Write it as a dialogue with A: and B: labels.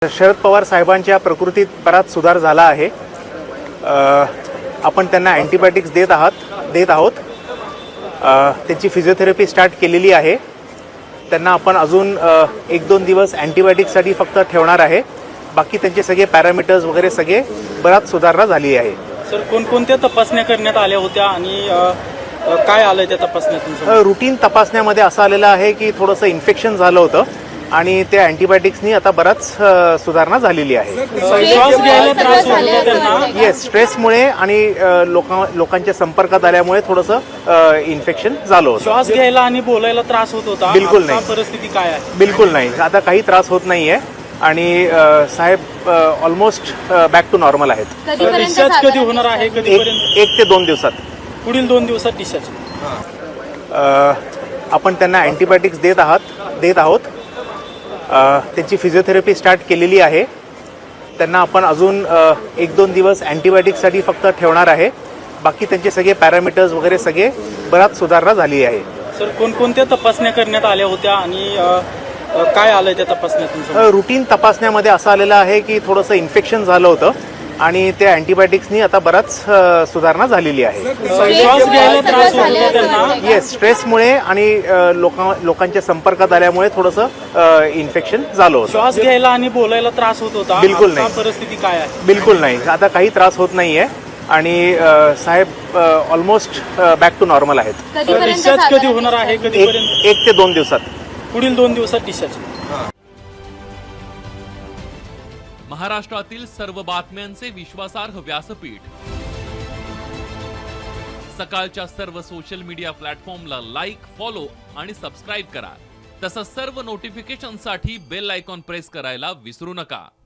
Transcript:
A: शरद पवार साहेबांच्या प्रकृतीत बराच सुधार झाला आहे। आपण त्यांना अँटीबायोटिक्स देत आहोत। त्यांची फिजिओथेरपी स्टार्ट केलेली आहे। त्यांना आपण अजून 1-2 दिवस अँटीबायोटिक्ससाठी फक्त ठेवणार आहे। बाकी त्यांचे सगळे पॅरामीटर्स वगैरे सगळे बराच सुधारणा झाली आहे।
B: सर कोणकोणत्या तपासण्या करण्यात आल्या होत्या आणि काय आलंय त्या तपासण्यातून?
A: रुटीन तपासण्यामध्ये असं आलेलं आहे की थोडंसं इन्फेक्शन झालं होतं आणि त्या अँटीबायोटिक्सनी आता बराच सुधारणा झालेली आहे।
B: श्वास घ्यायला त्रास होत होता त्यांना?
A: येस, स्ट्रेसमुळे आणि लोकांच्या संपर्कात आल्यामुळे थोडंसं इन्फेक्शन झालं होतं।
B: श्वास घ्यायला आणि बोलायला त्रास होत होता?
A: बिलकुल नाही।
B: परिस्थिती काय आहे?
A: बिलकुल नाही, आता काही त्रास होत नाहीये आणि साहेब ऑलमोस्ट बॅक टू नॉर्मल आहेत।
B: डिस्चार्ज कधी होणार आहे? कधीपर्यंत?
A: 1 ते 2 दिवसात।
B: पुढील 2 दिवसात डिस्चार्ज?
A: आपण त्यांना अँटीबायोटिक्स देत आहोत। त्यांची फिजिओथेरपी स्टार्ट केलेली आहे। त्यांना आपण अजून 1-2 दिवस अँटीबायोटिक्ससाठी फक्त ठेवणार आहे। बाकी त्यांचे सगळे पॅरामीटर्स वगैरे सगळे बराच सुधारणा झाली आहे।
B: सर कोणकोणत्या तपासण्या करण्यात आल्या होत्या आणि काय आलंय त्या तपासण्यातून?
A: रुटीन तपासण्यामध्ये असं आलेलं आहे की थोडंसं इन्फेक्शन झालं होतं आणि त्या अँटीबायोटिक्सनी आता बराच सुधारणा झालेली आहे।
B: श्वास घ्यायला त्रास होत होता त्यांना?
A: येस, स्ट्रेसमुळे आणि लोकांच्या संपर्कात आल्यामुळे थोडंसं इन्फेक्शन झालं होतं।
B: श्वास घ्यायला आणि बोलायला त्रास होत होता?
A: बिलकुल नाही।
B: परिस्थिती काय आहे?
A: बिलकुल नाही, आता काही त्रास होत नाहीये आणि साहेब ऑलमोस्ट बॅक टू नॉर्मल आहेत।
B: डिस्चार्ज कधी होणार आहे? कधीपर्यंत?
A: 1 ते 2 दिवसात।
B: पुढील 2 दिवसात डिस्चार्ज?
C: महाराष्ट्रातील सर्व बातम्यांचे विश्वासार्ह व्यासपीठ, सकाळच्या सर्व सोशल मीडिया प्लॅटफॉर्मला लाईक, फॉलो आणि सबस्क्राईब करा। तसंच सर्व नोटिफिकेशनसाठी बेल आयकॉन प्रेस करायला विसरू नका।